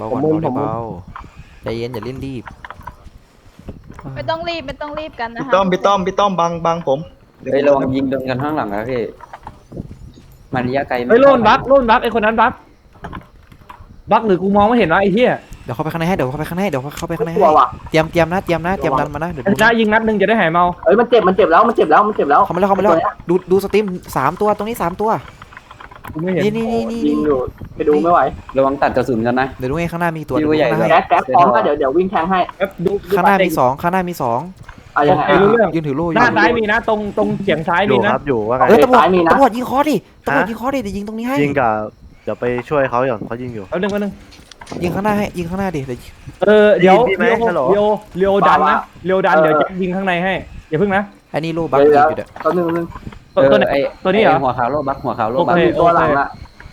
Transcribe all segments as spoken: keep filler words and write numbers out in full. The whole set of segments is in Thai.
าก่อนเบาได้เบาใจเย็นอย่าเล่นรีบไม่ต้องรีบไม่ต้องรีบกันนะพี่คะต้อมพี่ต้อมพี่ต้อมบังบังผมเดี๋ยวเฮ้ยระวังยิงโดนกันข้างหลังนะพี่มันระยะไกลเฮ้ยโลนบักโลนบักไอคนนั้นบักบักหรือกูมองไม่เห็นวะไอ้เหี้ยเดี๋ยวเข้าไปข้างในให้เดี๋ยวเข้าไปข้างในเดี๋ยวเข้าไปข้างในให้กลัวว่ะเตรียมเตรียมนะเตรียมนะเตรียมดันมานะเดี๋ยวไอ้ดูชนะยิงนัดหนึ่งจะได้หายเมาเอ้ยมันเจ็บมันเจ็บแล้วมันเจ็บแล้วมันเจ็บแล้วเข้ามาแล้วเข้ามาแล้วดูดูสตรีมสามตัวตรงนี้สามตัวกูไม่เห็นนี่นี่นี่นี่ยิงอยู่ไปดูไม่ไหวระวังตัดกระสุนกันนะเดี๋ยวดูให้ข้างหน้ามีตัวพี่ว่าใหญ่ข้างหน้าแก๊สแก๊สพร้อมก็เดี๋ยวเดี๋ยววิ่งแทงให้แป๊บดูดูข้างหน้ามีสองข้างหน้ามีสองอะยังไงไอ้รู้เรื่องยืนถือโล่อหยู่น้าซ้ายมีนะตรงตรงเฉียงซ้ายอมียู่นะครับอยู่ว่าไงเออตำรวจซ้ายมีนะตำรวจยิงคอดิตำรวจยิงคอดิเดี๋ยวยิงตรงนี้ให้ยิงกับเดี๋ยวไปช่วยเขาก่อนเขายิงอยู่แป๊บนึงแป๊บนึงยิงข้างหน้าให้ยิงข้างหน้าดิเดี๋ยวเออเดี๋ยวได้ยินพี่ไหมเลียวฮัลโหลเลียวเลียวดันนะเลียวดันเดี๋ยวจะยิงข้างในให้อย่าพึ่งนะอันนี้โล่บักเดี๋ยวยิงเดี๋ยวอยู่เด้อตัวหนึ่งหนึ่งตัวตัวไหนไอ้ตัวนี้เหรอหัวขาวโลบักหัวขาวโลบักโอเคตัวหลังละ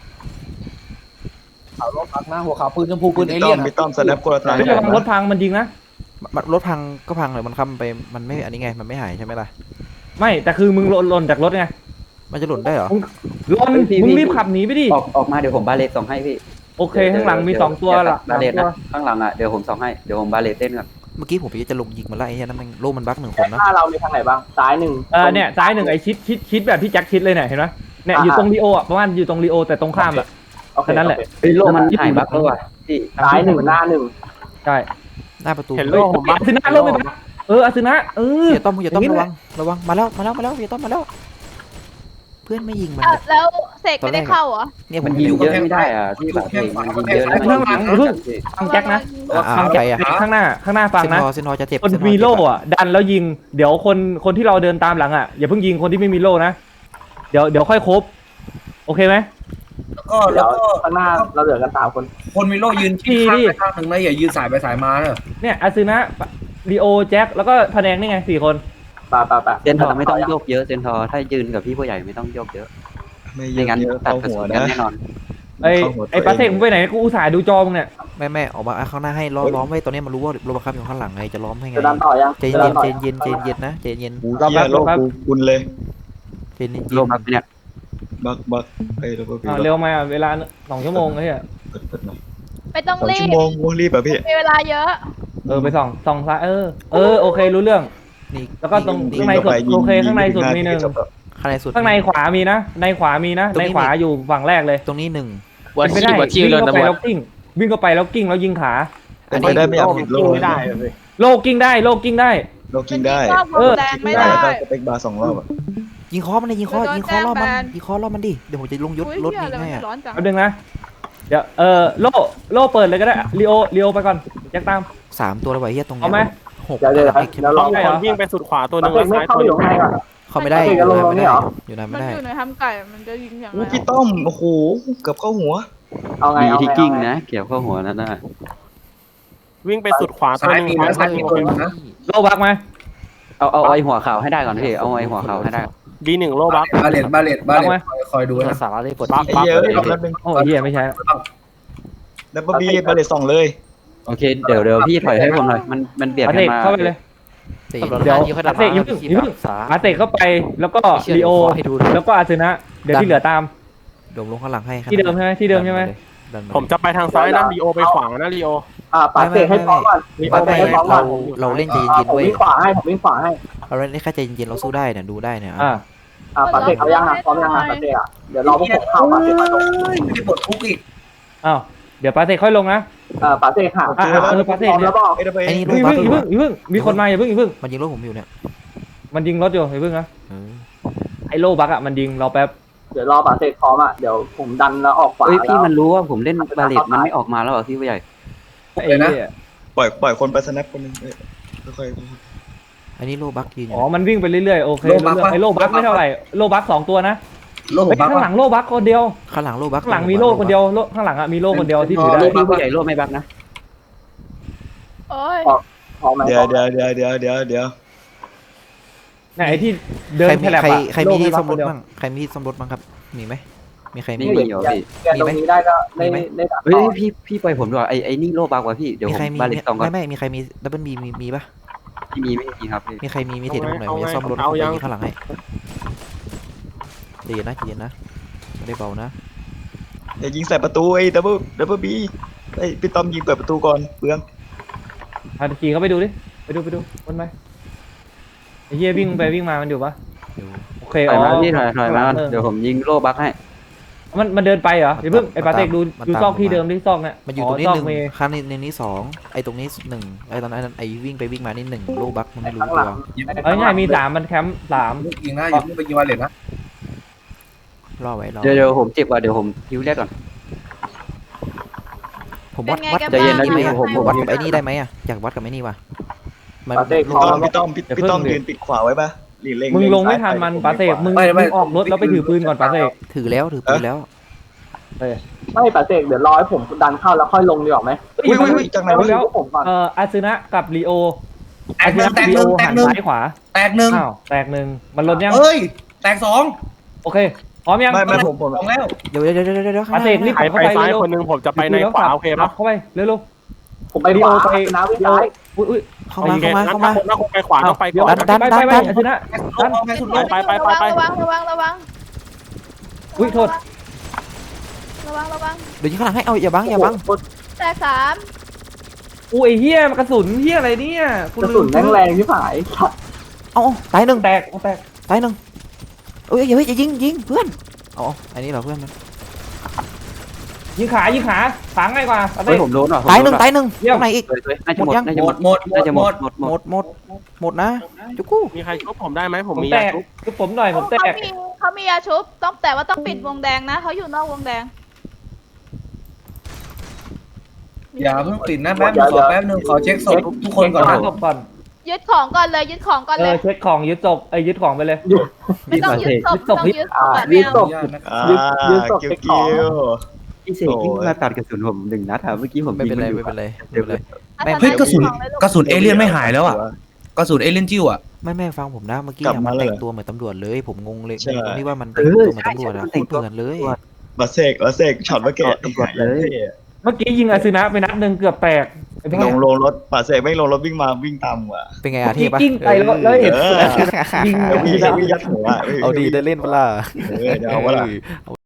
ขาวรถพักนะหัวขาวปืนชมพูปืนเอพี่เลี่ต้อย มนพี่ต้อมสแนปคนละทางไม่ระวังรถพังมันยิงนะมันรถพังก็พังเลยมันค้ำไปมันไม่อันนี้ไงมันไม่หายใช่ไหมล่ะไม่แต่คือมึงหล่นหล่นจากรถไงมันจะหล่นได้เหรอหล่นมึงรีบขับหนีไปดิออกออกมาเดี๋ยวผมบาเลตส่งให้พี่โอเคข้างหลังมีสองตัวละบาเลตนะข้างหลังอ่ะเดี๋ยวผมส่งให้เดี๋ยวผมบาเลตเต้นก่อนเมื่อกี้ผมจะลงยิงมันไล่ไอ้เนี่ยนั่นมันโล่มันบักหนึ่งคนนะหน้าเรามีทางไหนบ้างซ้ายหนึ่งเออเนี่ยซ้ายหนึ่งไอชิดชิดชิดแบบที่แจ็คชิดเลยเนี่ยเห็นไหมเนี่ยอยู่ตรงลีโออ่ะประมาณอยู่ตรงลีโอแต่ตรงข้ามอ่ะโอเคแค่นั้นแหละเฮ้ยโลมันหายบักแล้วว่ะพี่ซ้ายหนึ่งหน้าหนึ่งใช่หน้าประตูเห็นโลผมบ้าอาซึนะโลไปบ้าเอออาซึนะเอออย่าต้อมอย่าต้อมระวังระวังมาแล้วมาแล้วมาแล้วอย่าต้อมมาแล้ว เพื่อนไม่ยิงมันอ่ะแล้วเสกไม่ได้เข้าเหรอเนี่ยผมัมนยิงดูเยอะไม่ได้อ่ะพี่แบบเองมันยิงเยอะแล้วมันยิงฟังแจ็คนะอ่าฟังใคแจ็รคอ่ะข้างหน้าข้างหน้าฟังเซนนะทอเซนทอจะเจ็บคนมีโล่อ่ะดันแล้วยิงเดี๋ยวคนคนที่เราเดินตามหลังอ่ะอย่าเพิ่งยิงคนที่ไม่มีโล่นะเดี๋ยวเดี๋ยวค่อยครบโอเคไหมแล้วก็เดี๋แล้ยว วก็ข้างหน้าเราเหลือกันสามคนคนมีโล่ยืนที่ข้างไปข้างหนึ่งนะอย่ายืนสายไปสายมาเนอะเนี่ยอาซึนะลีโอแจ็คแล้วก็พะแนงนี่ไงสี่คนป่าป่าป่าเซนทอไม่ต้องโยกเยอะเซนทอถ้ายืนกับพี่ผู้ใหญ่ไม่ต้องโยกเยอะไม่ไม่งั้นเยอะตัดเข้ากระหัสุวนกันนะแน่นอนไอ้เข้าหัวตัวไอ้ปาเสกเองมึงไปไหนกูอุตส่าห์ดูจอมึงเนี่ยแม่แม่ออกมาข้างหน้าให้ล้อมล้อมไว้ตอนนี้มันรู้ว่าโลบักคับอยู่ข้างหลังไงจะล้อมให้ไงจะดันต่อยังใจเย็นใจเย็นใจเย็นนะใจเย็นกูเหี้ยโลกกูคุณเลยใจเย็นโลบักเนี่ยบักบักเอ้ยแล้วก็พี่อ่าเร็วมาเวลาสองชั่วโมงไอ้เหี้ยเปิดเปิดหน่อยไม่ต้องสองรีชั่บวโมงกูรีบอ่ะพี่มีเวลาเยอะเออไปส่องส่องซ้ายเออเออโอเครู้เรื่องนี่แล้วก็ตรงนี่ข้างในสุดโอเคข้างในสุดมีหนึ่งข้างในสุดข้างในขวามีนะในขวามีนะตรงในนี้ขวาอยู่ฝั่งแรกเลยตรงนี้หนึ่งเป็นไม่ได้วิ่งเข้าไปแล้วกิ้งวิ่งเข้าไปแล้วกิ้งแล้วยิงขาอันไม่นี้ได้ไม่อยากผิดโลกไม่ได้เลยโลกิ้งได้โลกิ้งได้โลกกินได้มันยิงรอบวงแดงไม่ได้แล้วก็สเปกบาร์สองรอบอ่ะยิงคอมันเลยยิงคอโดนยิงคอรอบมันแจ้งแบนยิงคอรอบมันดิเดี๋ยวผมจะลงยศอุ้ยรถเหี้ยยิงอะไรให้มันอะร้อนจังแป๊บนึงนะเดี๋ยวเออโลโลเปิดเลยก็ได้ลีโอลีโอไปก่อนแจ็คตามสามตัวเลยไว้เฮียตรงนี้เอาไหมหกเดี๋ยวเดี๋ยวอีกเดี๋ยวรอได้เหรอวิ่งไปสุดขวาตัวหนึปาง เสแล้วกไม่ซ้ายเข้าตัวไปหอนึงยู่ข้างในก่อนเข้าไม่ได้ปาเสกอยู่จะลงไหนตรงนี้ไม่เหรได้ออยู่ไหนมัไม่นได้อยู่ในทำไก่มันจะยิงอย่างไรอู้พี่ต้อมโอ้โหเกือบเข้าหัวเอาไงมีเอาที่ไงกิ้งเอาไงนะเกี่ยวเข้าหัวนั่นน่ะวิ่งไปสุดขวาตัวซ้ายหนึงมีนะซ้ายมีตัวหนึงนะโลบักไหมเอาเอาไอ้หัวขาวให้ได้ก่อนพี่เอาไอ้หัวขาวให้ได้บีหนึ่งโลบักบาเลตบาเลตบาเลตคอยดูนะสาระเลยกดบักไอ้บักเหี้ยเอ้ยรอบนึงโอ้ยเหี้ยไม่ใช่ดับเบิลบีบาเลตสองเลยโอเคเดี๋ยวเดี๋ยวพี่ถอยให้ผมหน่อยมันมันเบียดปากัเสนกมาเข้าไปเลยเดี๋เดี๋ยยว วยิงเขาปาดับเสกอย่าเพิ่งอย่าเพิ่งสาปาเสกเข้าไปแล้วก็ลีโอให้ดูแล้วก็อาซึนะเดี๋ยวที่เหลือตามโดมลงข้างหลังให้ที่เดิมใช่ไหมที่เดิมใช่ไหมดันมาเลยผมจะไปทางซ้ายนะลีโอไปขวานะลีโออ่าปาเสกให้พร้อมก่อนลีโอปาเสไปกให้พร้อมก่เราอนเราเล่นใจอ่าเย็นผมๆเว้ยวิ่งขวาให้ผมวิ่งขวาให้เราเล่นแค่ใจเย็นๆเราสู้ได้เนี่ยดูได้เนี่ยอ่าอ่าปาเสกเอายังอ่ะพร้อมยังอ่ะปาเสกอ่ะเดี๋ยวรอพวกผมเข้าปาเสกมาลงเฮ้ยไม่ได้ปลดคุกอีกอ้าวเดี๋ยวปาเสกค่อยลงนะอ่าปาเสกหาอ่ะอ่ะเออปาเสกพร้อมเนี่แล้ยวบอกไอ้ดับเบิลไอ้นี่อย่าโลบัเพิ่กงอย่าเพิ่งอย่าเพิ่งมีคนมาอย่าเพิ่งอย่าเพิ่งมันยิงรถผมอยู่เนี่ยมันยิงรถอยู่อย่าเพิ่งนะเออไอ้โลบักอ่ะมันยิงเราแป๊บเดี๋ยวรอปาเสกพร้อมอ่ะเดี๋ยวผมดันแล้วออกขวาเฮ้ยพี่แล้วมันรู้ว่าผมเล่นบาเลตมันไม่ออกมาแล้วเหรอพี่ผู้ใหญ่ไอ้เนี่ยปล่อยปล่อยคนไปสแนปคนหนึงเอ้ยค่อยอันนี้โลบักยืนอยู่อ๋อมันวิ่งไปเรื่อยๆโอเครู้เรื่องไอ้โลบักไม่เท่าไหร่โลบักสองตัวนะโลกเฮ้ยบักข้างหลังโลบักคนเดียวข้างหลังโลบักข้างหลังมีโลคนเดียวโลข้างหลังอ่ะมีโลคนเดียวที่ถือได้โลพี่ผู้ใหญ่โลไม่บักนะโอ้ยพร้อมไหมๆเดี๋ยวเดี๋ยวเดี๋ยวเดี๋ยวเดี๋ยวเดี๋ยวไหนไอ้ที่เดินใครมีแฉลบใครอะใครมีที่โลซ่อมรถไบักคนเดียวบ้างใครมีที่ซ่อมรถบ้างครับมีไหมมีใครมีไม่มีเหรอพี่แกตรงนี้ได้ก็ได้ได้ดันเฮ้ยต่อพี่พี่ปล่อยผมด้วยไอ้ไอ้นี่โลบักว่ะพี่เดี๋ยวมีผมใครมีบาเลตสองก่อนไม่ไม่มีใครมีดับเบิลบีมีมีปะไม่มีไม่มีครับพี่มีใครมีมีเทรดผมหน่อยผมจะซ่อมรถผมจะยิงข้างหลังให้ใจเย็นนะใจเย็นนะไม่ได้เบานะอย่ายิงใส่ประตูไอ้ดับเบิลดับเบิลบีเฮ้ยพี่ต้อมยิงเปิดประตูก่อนเปลืองพาตะกี้เขาไปดูดิไปดูไปดูวนไปไอ้เหี้ยวิ่งไปวิ่งมามันอยู่ปะอยู่โอเคถอ๋อยอมาพี่ถอยถอยมาเออเดี๋ยวผมยิงโล่บักให้มันมันเดินไปเหรอมันเดี๋ยวเพิ่งไอ้มันปาเตกตามดูมันดูตามซอกที่ผมมาเดิมที่ซอกเนี่ยมันอยู่ตรงนี้ซอหกนึ่งเมย์ข้างนี้ในนี้สองไอ้ตรงนี้หนึ่งไอ้ตอนนั้นไอ้วิ่งไปวิ่งมานี่หนึ่งโลบักมันไม่รู้ข้างตัหลังวเอาง่ายๆมีสามมันแคมป์สามยิงนะอย่าเพิ่งไปยิงวาเลตนะรอไว้รอเดี๋ยวเดี๋ยวผมเจ็บว่ะเดี๋ยวผมฮิวแรกก่อนผมวัดเป็นไงวัดกันใจเย็นนะบ้างพี่อยากผมให้ผมวัดผมกับไอ้นี่ได้ไหมอ่ะอยากวัดกับไอ้นี่ว่ะมันปาเต้พี่ต้อมพี่ต้อมพี่พี่ต้อมยืนปิดขวาไว้ปะหลีเล็งมึงลงไม่ซ้ยทันมันผปาเตกขวมึงมึงออกรถแล้วไปถือปืนก่อนปาเตกถือแล้วถือปืนแล้วไม่ปาเต้เดี๋ยวรอให้ผมดันเข้าแล้วค่อยลงดีกว่าไหมอุ้ยอุ้ยอุ้ยจากไหนวะแล้วผมก่อนเอ่ออาซึนะกับลีโอแตอากหซึนึ่นะงแตกลีหโอนึ่งแตหักนหนึ่งซ้ายขวาแตกหนึ่งอ้าวแตกหนึ่งมันลดยังเอ้ยแตกสองโอเคพร้อมยังไม่ไม่ผมผมสองแล้วเดี๋ยวเดี๋ยวเดี๋ยวเดี๋ยวเดี๋ยวข้างปาหเตน้ากรีบไปเข้าไปไปซ้ายเร็วคนหนึงผมจะไปในขวาโอเคครัปะบเข้าไปเร็วผมไปๆลีขโอวาไปนะพี่ลีโอซ้ายอุ้ยอุ้ยเข้ามาเข้ามาเข้ามาถ้าคนไปขวาต้องไปก่อนดันไปไปไปอาซึนะแตกสุดโลกแตกสุดโลกไปไปไปไประวังระวังระวังอุ้ยโทษระวังระวังเดี๋ยวยิงข้างหลังให้เอาอย่าบังอย่าบังแตกสามอุ้ยเฮียมันกระสุนเฮียอะไรเนี่ยกระสุนแรงแรงที่ผายสัตว์เอาเอาตายหนึ่งแตกแตกตายหนึ่งเอ้ยอย่าเฮ้ยอย่ายิงยิงเพื่อนเอาเอาอันนี้เหรอเพื่อนมันยิงขายิงขาขาง่ายกว่าปาเตเฮ้ยกผมโดนว่ะผมตายหโดนึ่งนว่ะตายหนึ่งเยี่ยมตรงไหนอีกเฮ้ยเฮ้ยน่าจะหมดหมดยังน่าจะหหมมดดหมดหมน่าดจะหหมมดดหมดหมหมดดหมดหมดนะจุกู้มีใครชุบผมได้ไหมผมมีแตยาก ชุบคือผมหน่อยผมแตเขากมีเขามียาชุบต้องแต่ว่าต้องปิดวงแดงนะเขาอยู่นอกวงแดงอย่าเพิ่งปิดนะแป๊บนึงขอแป๊บนึงขอเช็คศพทุกคนก่อนเช็นะคศพก่อนยึดของก่อนเลยยึดของก่อนเอเลอย เช็คของยึดศพไอ้ยยึดของไปเลยไม่ต้องยึดศพยึดศพต้องยึดยึดศอ่าพแบบยืแนดวศพอ่ายึดยึดศพกิ้วไปขกิ้องวพี่เสกยิ่งมาตัดกระสุนผมหนึ่งนัดอะเมื่อกี้ผมไม่ยิเป็งนมัไรนอยู่ไม่เป็นไรไม่เป็นไรอาแม่จารย์เฮ้ยกระสุนของเลยลูกระสุนเอเลี่ยนไม่หายแล้วอ่ะกระสุนเอเลี่ยนจิ้วอ่ะไม่แม่ฟังผมนะเมื่อกี้กลับอะมามันแล้วแต่เหรองตัวเหมือนตำรวจเลยผมงงเลยใช่งงตรงที่ว่ามันแต่งตัวเหมือนตำรวจอะโคตรเหมือนเลยมาเสกมาเสกช็อตเมื่อกี้ตำรวจเลยเมื่อกี้ยิงอาซึนะไปนัดหนึ่งเกือบแตกไอ้บ้าลงลงรถป่าเสกไม่ลงรถวิ่งมาวิ่งตามว่ะเป็นไงอะเทพปะกิ้งไปแล้วแล้วเห็นเออยิงแล้ววิ่งวิ่งยัดหัวเอาดีได้เล่นเปะล่าเออเดี๋ยวเอาวะล่ะเออ